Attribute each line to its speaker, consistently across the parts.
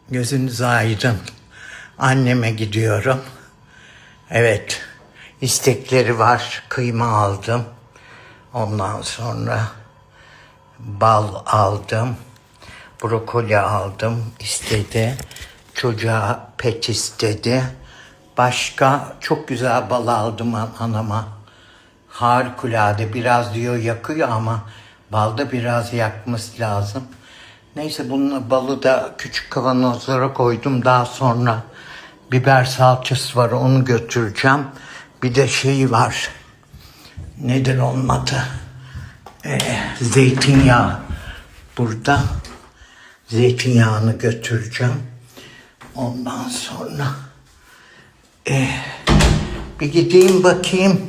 Speaker 1: Gözünüz aydın. Anneme gidiyorum. Evet, istekleri var. Kıyma aldım. Ondan sonra bal aldım. Brokoli aldım. İstedi. Çocuğa pet istedi. Başka çok güzel bal aldım anama. Harikulade. Biraz diyor yakıyor ama balda biraz yakması lazım. Neyse bunun balı da küçük kavanozlara koydum. Daha sonra biber salçası var, onu götüreceğim. Bir de şey var. Nedir onun adı? Zeytinyağı. Burada zeytinyağını götüreceğim. Ondan sonra bir gideyim bakayım.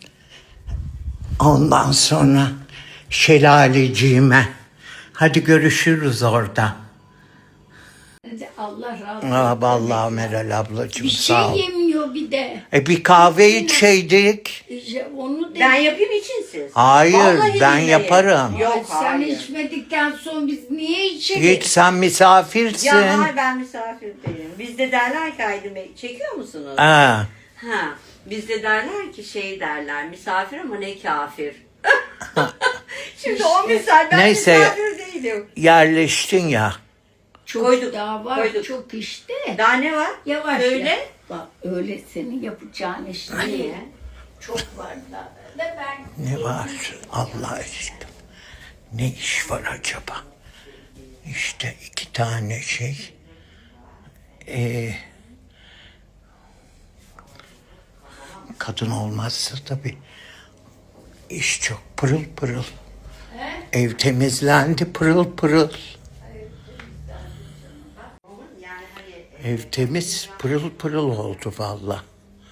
Speaker 1: Ondan sonra şelaleciğime. Hadi görüşürüz orada.
Speaker 2: Allah razı olsun.
Speaker 1: Vallahi Meral ablacığım
Speaker 2: Bir şey
Speaker 1: sağ ol.
Speaker 2: yemiyor bir de.
Speaker 1: Bir kahve içeydik.
Speaker 2: Onu da
Speaker 3: Ben yapayım için siz.
Speaker 1: Hayır,
Speaker 3: Vallahi
Speaker 1: ben
Speaker 3: billahi.
Speaker 1: yaparım.
Speaker 3: Yok
Speaker 2: sen
Speaker 3: hayır.
Speaker 2: içmedikten sonra biz niye içelim?
Speaker 1: Hiç sen misafirsin.
Speaker 3: Ya hayır ben misafir değilim. Bizde derler ki Aydın Bey çekiyor musunuz?
Speaker 1: Ha.
Speaker 3: Ha. Bizde derler ki şey derler misafir ama ne kafir. Şimdi o misal ben
Speaker 1: Neyse.
Speaker 3: misafir değilim.
Speaker 1: Yerleştin ya.
Speaker 2: Çok
Speaker 3: Koyduk,
Speaker 2: daha var,
Speaker 3: koyduk.
Speaker 2: çok işte.
Speaker 3: Daha ne var?
Speaker 2: Yavaş
Speaker 3: Öyle.
Speaker 2: yap. Bak öyle senin yapacağın iş değil.
Speaker 3: Niye?
Speaker 2: Çok var da. Ben
Speaker 1: Ne var Allah aşkına? Ne iş var acaba? İşte 2 tane şey. Kadın olmazsa tabii iş çok pırıl pırıl. Ev temizlendi pırıl pırıl.
Speaker 3: Yani hani
Speaker 1: Ev temiz pırıl pırıl oldu valla.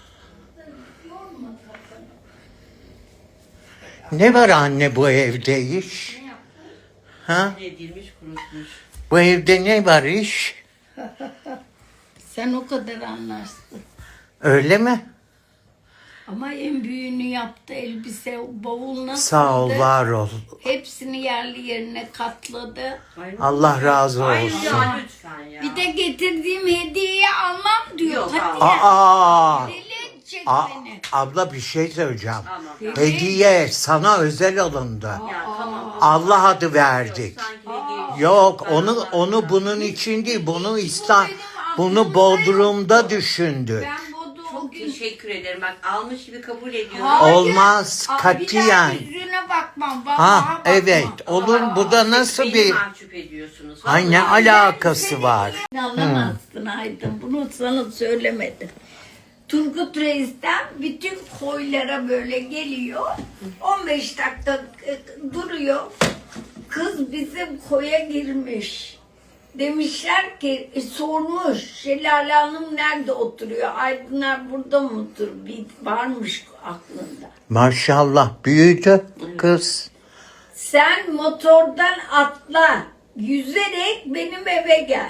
Speaker 1: Ne var anne bu evde iş? Ha?
Speaker 3: edilmiş kurutmuş.
Speaker 1: Bu evde ne var iş?
Speaker 2: sen o kadar anlarsın.
Speaker 1: Öyle mi?
Speaker 2: Ama en büyüğünü yaptı elbise, bavul nasıl?
Speaker 1: Sağ ol, var ol.
Speaker 2: Hepsini yerli yerine katladı.
Speaker 1: Allah razı
Speaker 3: Hayır
Speaker 1: olsun.
Speaker 3: ya lütfen ya.
Speaker 2: Bir de getirdiğim hediyeyi almam diyor.
Speaker 3: Yok,
Speaker 2: Hadi
Speaker 3: al.
Speaker 2: ya.
Speaker 1: Aa,
Speaker 2: Deli edecek beni.
Speaker 1: abla bir şey söyleyeceğim.
Speaker 3: Tamam.
Speaker 1: Hediye sana özel alındı.
Speaker 3: Ya tamam.
Speaker 1: Allah adı verdik.
Speaker 3: Sanki hediye.
Speaker 1: Yok, onu bunun için değil. Bunu Bodrum'da düşündü.
Speaker 2: Ben Bodu o
Speaker 3: Çok
Speaker 2: gün...
Speaker 3: teşekkür ederim. Bak almış gibi kabul ediyorum.
Speaker 2: Hayır.
Speaker 1: Olmaz,
Speaker 2: Aa,
Speaker 1: katiyen.
Speaker 2: Bir daha yüzüne bakmam. Vallahi
Speaker 1: Ha
Speaker 2: bakmam.
Speaker 1: evet, olur. Bu da nasıl
Speaker 3: Beni
Speaker 1: bir...
Speaker 3: mahcup ediyorsunuz.
Speaker 1: Ay ne
Speaker 3: Vallahi.
Speaker 1: alakası var?
Speaker 2: Anlamazsın Aydın. Bunu sana söylemedim. Turgut Reis'ten bütün koylara böyle geliyor. 15 dakika duruyor. Kız bizim koya girmiş. Demişler ki sormuş Şelale Hanım nerede oturuyor? Aydınlar burada mı oturuyor? Bir varmış aklında.
Speaker 1: Maşallah büyüdü kız.
Speaker 2: Sen motordan atla. Yüzerek benim eve gel.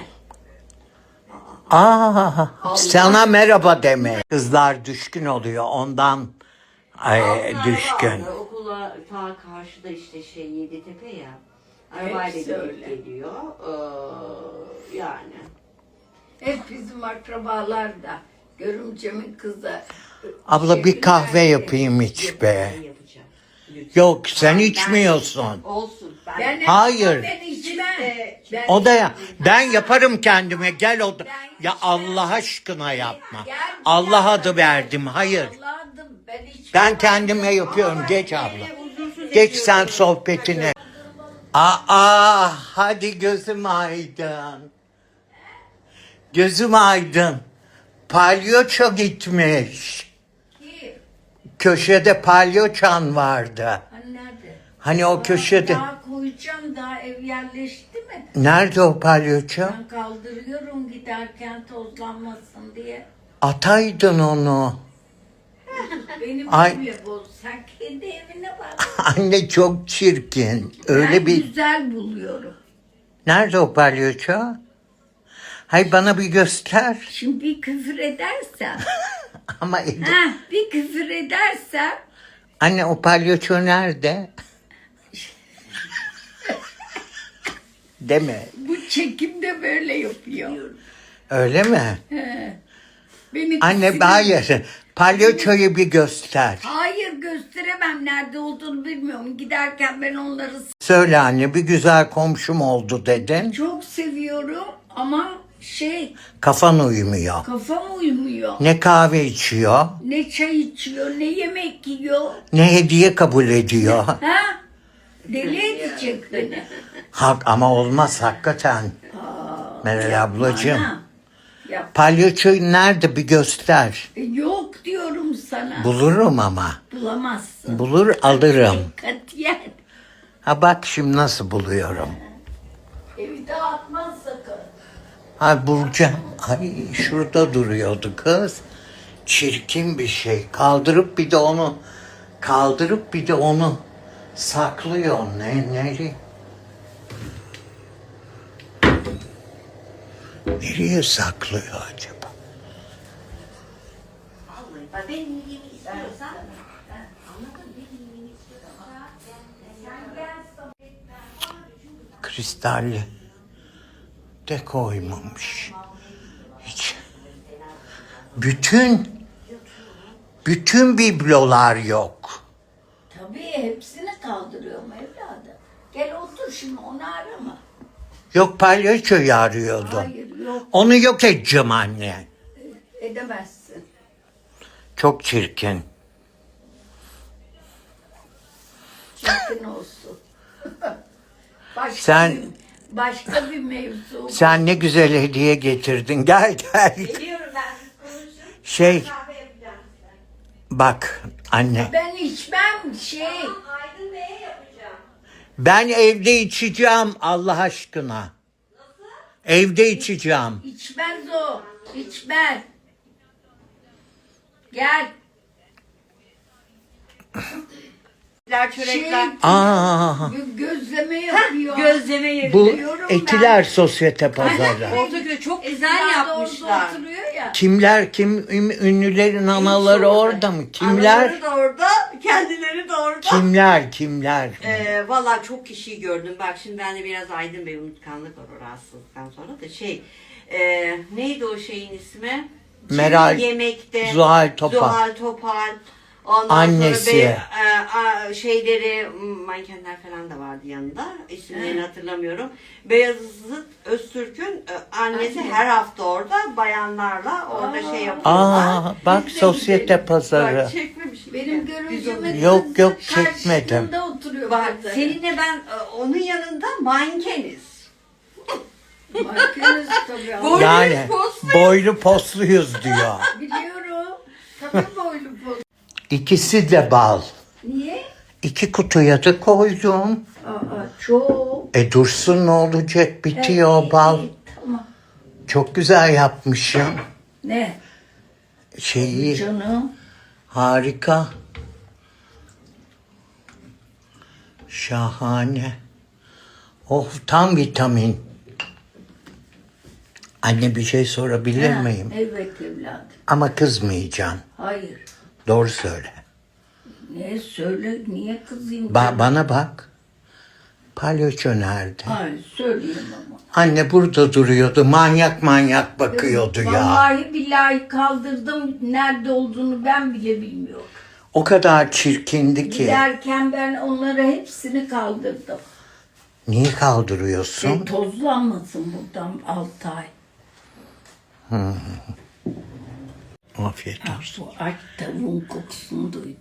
Speaker 1: Sana merhaba deme. Kızlar düşkün oluyor ondan
Speaker 3: Altın
Speaker 1: düşkün.
Speaker 3: araba aldı. Okula ta karşıda işte şey Yeditepe ya. Arabayla
Speaker 2: Hepsi
Speaker 3: gidip
Speaker 2: öyle.
Speaker 3: geliyor. Yani.
Speaker 2: Hep bizim akrabalar da. Görümcemin kızı.
Speaker 1: Abla bir kahve yapayım iç be.
Speaker 3: Ben yapacağım. Lütfen.
Speaker 1: Yok sen içmiyorsun.
Speaker 3: Olsun.
Speaker 2: Ben
Speaker 1: Hayır.
Speaker 2: Ben içmem. Ben
Speaker 1: O da ya. Ben yaparım kendime. Gel o da. Ya Allah aşkına yapma. Allah adı verdim. Hayır.
Speaker 2: Allah'ım ben içmem.
Speaker 1: Ben kendime yapıyorum. Geç abla.
Speaker 3: Huzursuz
Speaker 1: Geç
Speaker 3: ediyorum.
Speaker 1: sen sohbetine. Aa, hadi gözüm aydın. Gözüm aydın. Palyaço gitmiş.
Speaker 2: Kim?
Speaker 1: Köşede palyaçan vardı.
Speaker 2: Hani nerede?
Speaker 1: Hani o köşede.
Speaker 2: Daha koyacağım, daha ev yerleşti mi?
Speaker 1: Nerede o palyaço?
Speaker 2: Ben kaldırıyorum giderken tozlanmasın diye.
Speaker 1: Ataydın onu.
Speaker 2: Benim
Speaker 1: Ay.
Speaker 2: evime boz. Sen kendi evine bak.
Speaker 1: Anne çok çirkin. Öyle
Speaker 2: Ben
Speaker 1: bir...
Speaker 2: güzel buluyorum.
Speaker 1: Nerede o palyaço? Hay bana bir göster.
Speaker 2: Şimdi bir küfür edersem.
Speaker 1: Ama
Speaker 2: Bir küfür edersem.
Speaker 1: anne o palyaço nerede? Değil mi?
Speaker 2: Bu çekimde böyle yapıyor.
Speaker 1: Öyle mi?
Speaker 2: Beni
Speaker 1: Anne
Speaker 2: sinir-
Speaker 1: hayır. Palyaçoyu bir göster.
Speaker 2: Hayır gösteremem, nerede olduğunu bilmiyorum. Giderken ben onları
Speaker 1: Söyle anne, bir güzel komşum oldu dedin.
Speaker 2: çok seviyorum ama
Speaker 1: Kafan uymuyor.
Speaker 2: kafam uymuyor.
Speaker 1: Ne kahve içiyor,
Speaker 2: Ne çay içiyor, ne yemek yiyor.
Speaker 1: ne hediye kabul ediyor.
Speaker 2: Ha? Deli edecek beni.
Speaker 1: Hak ama olmaz hakikaten. Meral ablacığım.
Speaker 2: Ana, yap.
Speaker 1: Palyaçoyu nerede bir göster.
Speaker 2: Yok diyorum sana.
Speaker 1: Bulurum ama.
Speaker 2: Bulamazsın.
Speaker 1: Bulur alırım.
Speaker 2: Katiyen.
Speaker 1: Ha bak şimdi nasıl buluyorum.
Speaker 2: Evi dağıtmaz sakın.
Speaker 1: Ha bulacağım. Ay şurada duruyordu kız. Çirkin bir şey. Kaldırıp bir de onu saklıyor. Nereye? Nereye saklıyor acaba?
Speaker 3: Vallahi bak benim iyiliğimi istiyorsan. Anladın mı? Benim iyiliğimi istiyorsan.
Speaker 1: Kristalli de koymamış. Hiç. Bütün biblolar yok.
Speaker 2: Tabii hepsini kaldırıyorum evladım. Gel otur şimdi, onu arama.
Speaker 1: Yok palyaçoyu arıyordu.
Speaker 2: Hayır yok,
Speaker 1: Onu yok edeceğim anne.
Speaker 2: edemezsin.
Speaker 1: Çok çirkin.
Speaker 2: Çirkin olsun. Başka bir mevzu.
Speaker 1: Sen ne güzel hediye getirdin. Gel.
Speaker 3: Biliyorum ben konuşurum.
Speaker 1: Şey
Speaker 3: Kahve yapacağım size.
Speaker 1: bak anne.
Speaker 2: Ben içmem
Speaker 3: Aydın Bey'e yapacağım.
Speaker 1: Ben evde içeceğim Allah aşkına. Evde içeceğim.
Speaker 2: içmez o. İçmez. Gel.
Speaker 3: Çörekler.
Speaker 1: Aa,
Speaker 2: Gözleme yapıyor.
Speaker 3: Gözleme yeri.
Speaker 1: bu
Speaker 2: Diyorum
Speaker 1: Etiler Sosyete Pazarı.
Speaker 3: Ortaköy çok güzel
Speaker 2: Eskiden de orada
Speaker 3: yapmışlar.
Speaker 2: oturuyor ya.
Speaker 1: Kim ünlülerin anaları orada mı? Kimler?
Speaker 3: Anaları da orada, kendileri de orada.
Speaker 1: Kimler?
Speaker 3: Valla çok kişiyi gördüm. Bak şimdi bende biraz Aydın Bey unutkanlık var o rahatsızlıktan sonra da neydi o şeyin ismi?
Speaker 1: Meral,
Speaker 3: Çevik Yemekte.
Speaker 1: Zuhal Topal.
Speaker 3: Zuhal Topal. Ondan
Speaker 1: Annesi.
Speaker 3: Şeyleri mankenler falan da vardı yanında. İsimlerini hatırlamıyorum. Beyazıt Öztürk'ün annesi her hafta orada bayanlarla orada şey yapıyorlar.
Speaker 1: Aa, bak Sosyete Pazarı.
Speaker 3: Bak çekmemişim.
Speaker 2: Benim
Speaker 3: Biz onu-
Speaker 2: görücümün
Speaker 1: Yok,
Speaker 2: kızı
Speaker 1: çekmedim.
Speaker 2: karşımda oturuyor.
Speaker 3: Bak
Speaker 2: bazen.
Speaker 3: seninle ben onun yanında mankeniz.
Speaker 2: Bakıyoruz tabii.
Speaker 3: Bu-
Speaker 1: Yani boylu posluyuz diyor.
Speaker 2: Biliyorum. Tabii boylu boz.
Speaker 1: İkisi de bal.
Speaker 2: Niye?
Speaker 1: 2 kutuya da koydum.
Speaker 2: Çok.
Speaker 1: Dursun ne olacak bitiyor
Speaker 2: İyi,
Speaker 1: bal.
Speaker 2: iyi, tamam.
Speaker 1: Çok güzel yapmışım.
Speaker 2: Ne?
Speaker 1: Şeyi
Speaker 2: Canım.
Speaker 1: harika. Şahane. Oh tam vitamin. Anne bir şey sorabilir
Speaker 2: Ha,
Speaker 1: miyim?
Speaker 2: Evet evladım.
Speaker 1: Ama kızmayacaksın.
Speaker 2: Hayır.
Speaker 1: Doğru söyle.
Speaker 2: Ne söyle, niye kızayım? canım?
Speaker 1: Bana bak. Palyaço nerede?
Speaker 2: Hayır söyleyeyim ama.
Speaker 1: Anne burada duruyordu. Manyak bakıyordu ya.
Speaker 2: Vallahi billahi kaldırdım. Nerede olduğunu ben bile bilmiyorum.
Speaker 1: O kadar çirkindi ki.
Speaker 2: Giderken ben onlara hepsini kaldırdım.
Speaker 1: Niye kaldırıyorsun?
Speaker 2: Tozlanmasın buradan 6 ay.
Speaker 1: Afiyet
Speaker 2: Ha,
Speaker 1: olsun.
Speaker 2: bu aç tavuğun kokusunu duydu.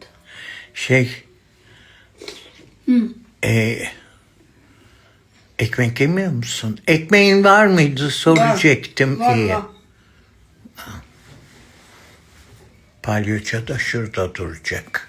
Speaker 1: Ekmek yemiyor musun? Ekmeğin var mıydı soracaktım.
Speaker 3: Var,
Speaker 1: İyi.
Speaker 3: var.
Speaker 1: Palyaço da şurada duracak.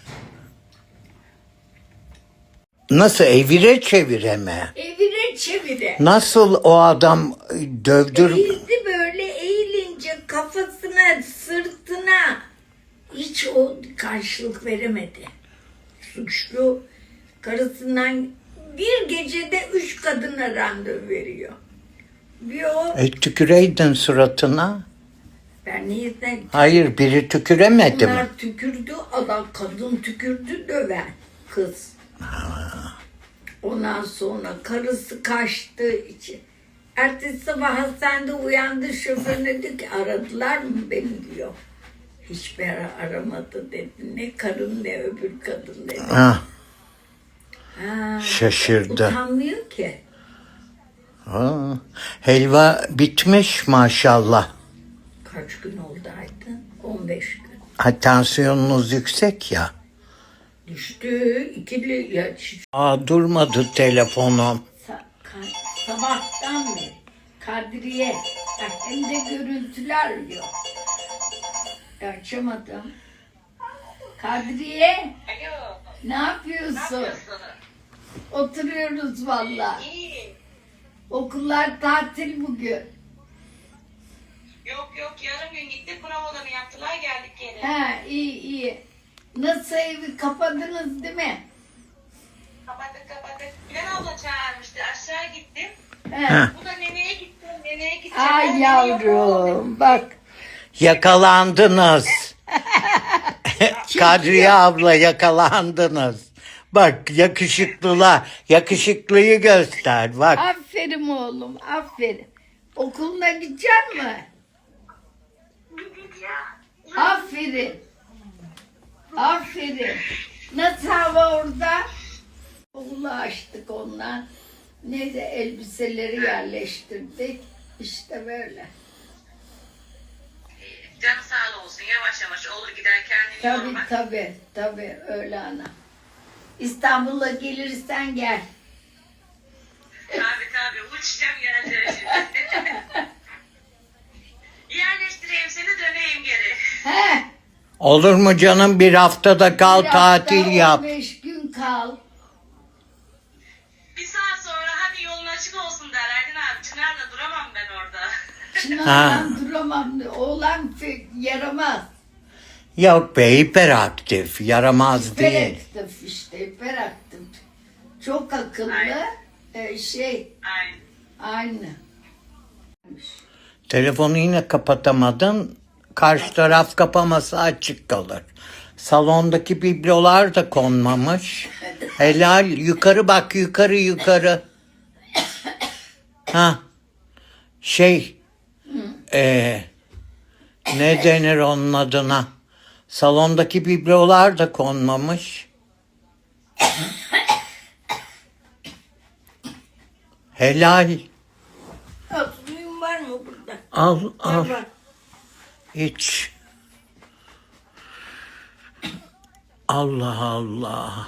Speaker 1: Nasıl evire çevire mi?
Speaker 2: Evire çevire.
Speaker 1: Nasıl o adam dövdür...
Speaker 2: Eğildi böyle, eğilince kafasına, sırtına hiç o karşılık veremedi. Suçlu karısından bir gecede 3 kadına randevu veriyor. Bir o,
Speaker 1: tüküreydin suratına.
Speaker 2: ben neyden
Speaker 1: Hayır biri tüküremedi mi?
Speaker 2: bunlar tükürdü, adam kadın tükürdü, döven kız. Ondan sonra karısı kaçtığı için. Ertesi sabah hastanede uyandı, şoförüne dedi ki aradılar mı beni diyor. Hiçbir ara aramadı dedi. Ne karın ne öbür kadın dedi.
Speaker 1: Ha,
Speaker 2: Ha,
Speaker 1: şaşırdı.
Speaker 2: utanmıyor ki.
Speaker 1: Ha, helva bitmiş maşallah.
Speaker 2: Kaç gün oldu Aydın? 15 gün.
Speaker 1: Ha, tansiyonunuz yüksek ya.
Speaker 2: Düştü. İkili ya,
Speaker 1: Durmadı telefonum.
Speaker 2: sabahtan beri Kadriye. Bak, hem de görüntüler yok. Açamadım. Kadriye,
Speaker 4: Alo.
Speaker 2: ne yapıyorsun? Oturuyoruz valla.
Speaker 4: İyi.
Speaker 2: Okullar tatil bugün.
Speaker 4: Yok yok yarım gün gittik provalarını yaptılar geldik geri.
Speaker 2: Ha, iyi iyi. Nasıl, evi kapadınız değil mi?
Speaker 4: Kapattık. Bilal abla çağırmıştı aşağı gittim.
Speaker 2: He.
Speaker 4: Bu da neneye gittim. Neneye gideceğim.
Speaker 2: Ay
Speaker 4: Ben nene yok oğlum.
Speaker 2: yavrum bak.
Speaker 1: Yakalandınız. Kadriye abla yakalandınız. Bak yakışıklıyı göster bak.
Speaker 2: Aferin oğlum, aferin. Okuluna gidecek mi? Aferin. Aferin. Nasıl hava orada? Okulu açtık ondan. Neyse elbiseleri yerleştirdik. İşte böyle.
Speaker 4: Canı sağ olsun yavaş yavaş olur gider kendini
Speaker 2: Tabii
Speaker 4: yorma.
Speaker 2: tabii öyle ana. İstanbul'a gelirsen gel.
Speaker 4: Tabii uçacağım geleceğim şimdi. Yerleştireyim seni döneyim geri.
Speaker 2: He.
Speaker 1: Olur mu canım, bir haftada kal,
Speaker 2: Bir hafta,
Speaker 1: tatil yap.
Speaker 2: 15 gün kal.
Speaker 4: Bir saat sonra hadi yolun açık olsun der Aydın abi. Çınar'la duramam ben orada.
Speaker 2: Çınar'dan duramam. Oğlan yaramaz.
Speaker 1: Yok be, hiperaktif, yaramaz değil.
Speaker 2: Hiperaktif işte, hiperaktif. Çok akıllı.
Speaker 4: Aynen.
Speaker 2: Aynı.
Speaker 1: Telefonu yine kapatamadın. Karşı taraf kapamasa açık kalır. Salondaki biblolar da konmamış. Helal, yukarı bak, yukarı. Ha. Ne denir onun adına? Salondaki biblolar da konmamış. Helal.
Speaker 2: Suyun var mı burada?
Speaker 1: Al.
Speaker 2: Var.
Speaker 1: İç. Allah Allah.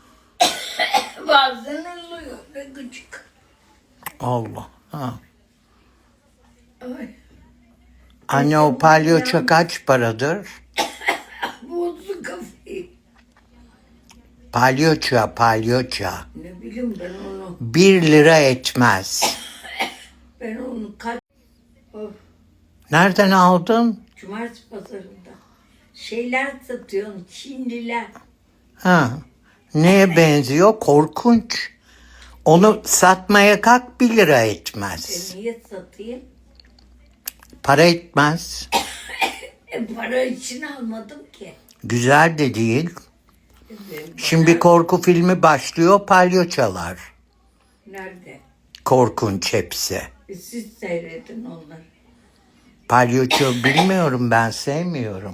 Speaker 2: Bazen oluyor. Ne gıcık.
Speaker 1: Allah. Ha.
Speaker 2: Ay.
Speaker 1: Anne, o palyaço kaç paradır?
Speaker 2: Bozdu kafayı.
Speaker 1: Palyaço.
Speaker 2: Ne bileyim ben onu.
Speaker 1: 1 lira etmez.
Speaker 2: Ben onu Of.
Speaker 1: Nereden aldın?
Speaker 2: Cumartesi pazarında. Şeyler satıyorsun. Çinliler.
Speaker 1: Ha. Neye benziyor? Korkunç. Onu satmaya kalk, 1 lira etmez.
Speaker 2: Niye satayım?
Speaker 1: Para etmez.
Speaker 2: Para için almadım ki.
Speaker 1: Güzel de değil.
Speaker 2: Ben-
Speaker 1: Şimdi korku filmi başlıyor, palyaçolar.
Speaker 2: Nerede?
Speaker 1: Korkunç hepsi.
Speaker 2: Siz seyredin onları.
Speaker 1: Palyaço bilmiyorum, ben sevmiyorum.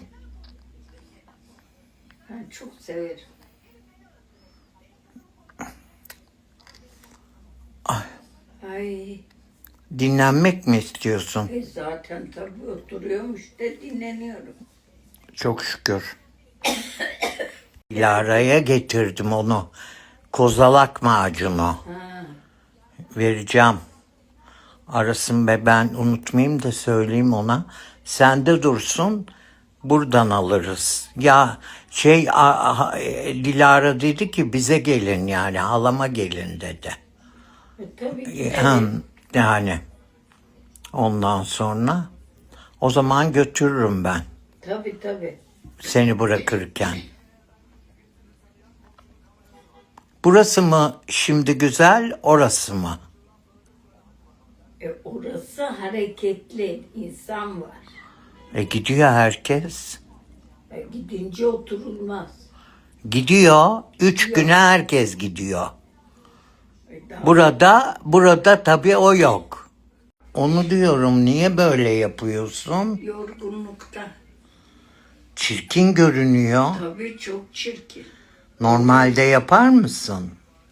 Speaker 2: Ben çok severim. Ay.
Speaker 1: Dinlenmek mi istiyorsun?
Speaker 2: Zaten tabii oturuyormuş da dinleniyorum.
Speaker 1: Çok şükür. Dilara'ya getirdim onu. Kozalak macunu.
Speaker 2: Ha.
Speaker 1: Vereceğim. Arasın be, ben unutmayayım da söyleyeyim ona. Sende dursun, buradan alırız. Ya Dilara dedi ki bize gelin, yani halama gelin dedi.
Speaker 2: Tabii ki.
Speaker 1: Yani ondan sonra o zaman götürürüm ben
Speaker 2: Tabii.
Speaker 1: seni bırakırken. Burası mı şimdi güzel, orası mı?
Speaker 2: Orası hareketli. İnsan var.
Speaker 1: Gidiyor herkes.
Speaker 2: Gidince oturulmaz.
Speaker 1: Gidiyor. 3 güne herkes gidiyor. Burada tabii o yok. Onu diyorum, niye böyle yapıyorsun?
Speaker 2: Yorgunlukta.
Speaker 1: Çirkin görünüyor.
Speaker 2: Tabii çok çirkin.
Speaker 1: Normalde yapar mısın?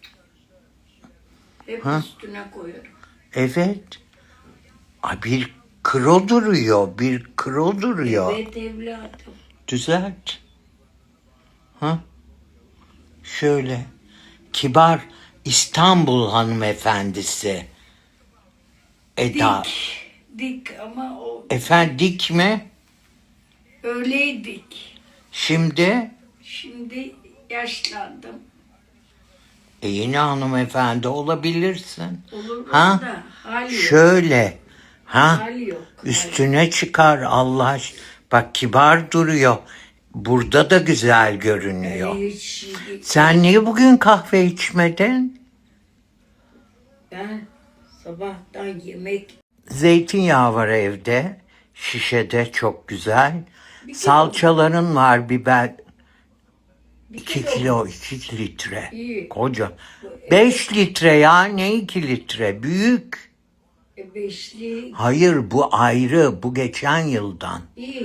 Speaker 2: Hep üstüne koyarım.
Speaker 1: Evet. Ay, bir kro duruyor, bir kro duruyor.
Speaker 2: Evet evladım.
Speaker 1: Düzelt. Ha? Şöyle. Kibar İstanbul hanımefendisi. Eda.
Speaker 2: Dik ama o
Speaker 1: Efendim, dik mi?
Speaker 2: öyleydik.
Speaker 1: Şimdi
Speaker 2: Şimdi yaşlandım.
Speaker 1: yine hanımefendi olabilirsin.
Speaker 2: Olur
Speaker 1: Ha?
Speaker 2: da hali yok.
Speaker 1: Şöyle. Ha?
Speaker 2: Hali yok.
Speaker 1: Üstüne çıkar Allah aşkına. Bak, kibar duruyor. Burada da güzel görünüyor.
Speaker 2: Hiç,
Speaker 1: Sen niye bugün kahve içmedin?
Speaker 2: ben sabahtan yemek
Speaker 1: Zeytinyağı var evde. Şişede çok güzel. Salçaların var, biber. 2 kilo, 2 litre.
Speaker 2: İyi.
Speaker 1: Koca. 5 litre ya, ne 2 litre? Büyük.
Speaker 2: beşli
Speaker 1: Hayır, bu ayrı. Bu geçen yıldan.
Speaker 2: iyi.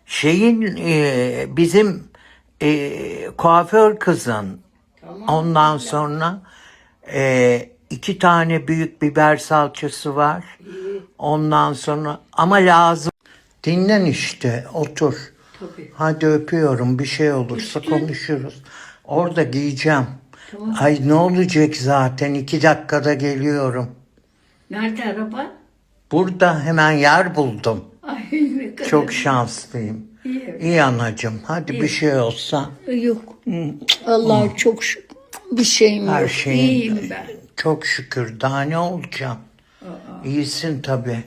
Speaker 1: Bizim kuaför kızın,
Speaker 2: Tamam.
Speaker 1: ondan sonra 2 tane büyük biber salçası var. Ondan sonra ama lazım. Dinlen işte, otur.
Speaker 2: Tabii.
Speaker 1: Hadi öpüyorum, bir şey olursa konuşuruz. Orada giyeceğim. Ay, ne olacak zaten, 2 dakikada geliyorum.
Speaker 2: Nerede araba?
Speaker 1: Burada hemen yer buldum.
Speaker 2: Ay ne kadar.
Speaker 1: Çok şanslıyım.
Speaker 2: İyi.
Speaker 1: İyi anacığım, hadi bir şey olsa.
Speaker 2: Yok. Allah'a çok şükür. Bir şeyim
Speaker 1: Her
Speaker 2: yok.
Speaker 1: şeyin
Speaker 2: İyiyim ben.
Speaker 1: çok şükür, daha ne olacağım? İyisin tabii.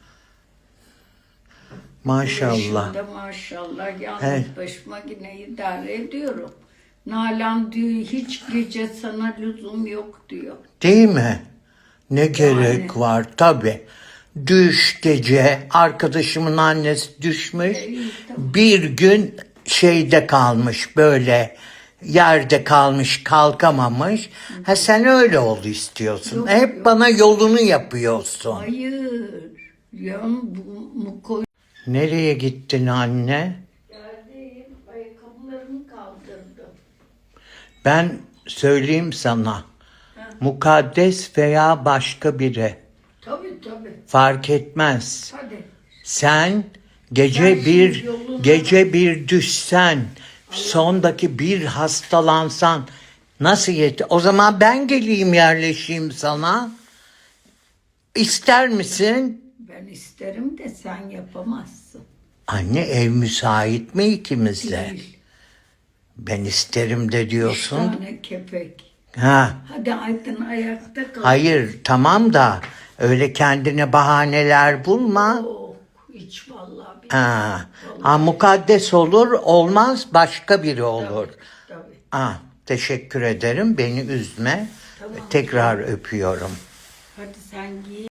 Speaker 1: Maşallah.
Speaker 2: Yaşımda maşallah yalnız
Speaker 1: Evet.
Speaker 2: başıma yine idare ediyorum. Nalan diyor hiç gece sana lüzum yok diyor.
Speaker 1: Değil mi? Ne gerek var tabii. Düş gece, arkadaşımın annesi düşmüş. Bir gün şeyde kalmış, böyle yerde kalmış, kalkamamış. Ha, sen öyle ol istiyorsun. Hep bana yolunu yapıyorsun.
Speaker 2: Hayır. Ya bu koy.
Speaker 1: Nereye gittin anne?
Speaker 2: Yerdeyim. Ayakkabılarımı kaldırdım.
Speaker 1: Ben söyleyeyim sana. Mukaddes veya başka biri
Speaker 2: Tabii.
Speaker 1: fark etmez.
Speaker 2: Hadi.
Speaker 1: Sen gece
Speaker 2: Sen
Speaker 1: bir
Speaker 2: şimdi yoluna
Speaker 1: gece bir düşsen, sondaki bir hastalansan nasıl yet? O zaman ben geleyim, yerleşeyim sana. İster misin?
Speaker 2: Ben isterim de sen yapamazsın.
Speaker 1: Anne, ev müsait mi ikimize?
Speaker 2: Değil.
Speaker 1: Ben isterim de
Speaker 2: Üç
Speaker 1: diyorsun.
Speaker 2: tane kepek.
Speaker 1: Ha.
Speaker 2: Hadi Aydın ayakta kal.
Speaker 1: Hayır, tamam da öyle kendine bahaneler bulma.
Speaker 2: Yok, hiç vallahi.
Speaker 1: Ha, mukaddes olur, olmaz başka biri olur.
Speaker 2: Tabii.
Speaker 1: Teşekkür ederim, beni üzme. Tekrar öpüyorum.
Speaker 2: Hadi sen giy.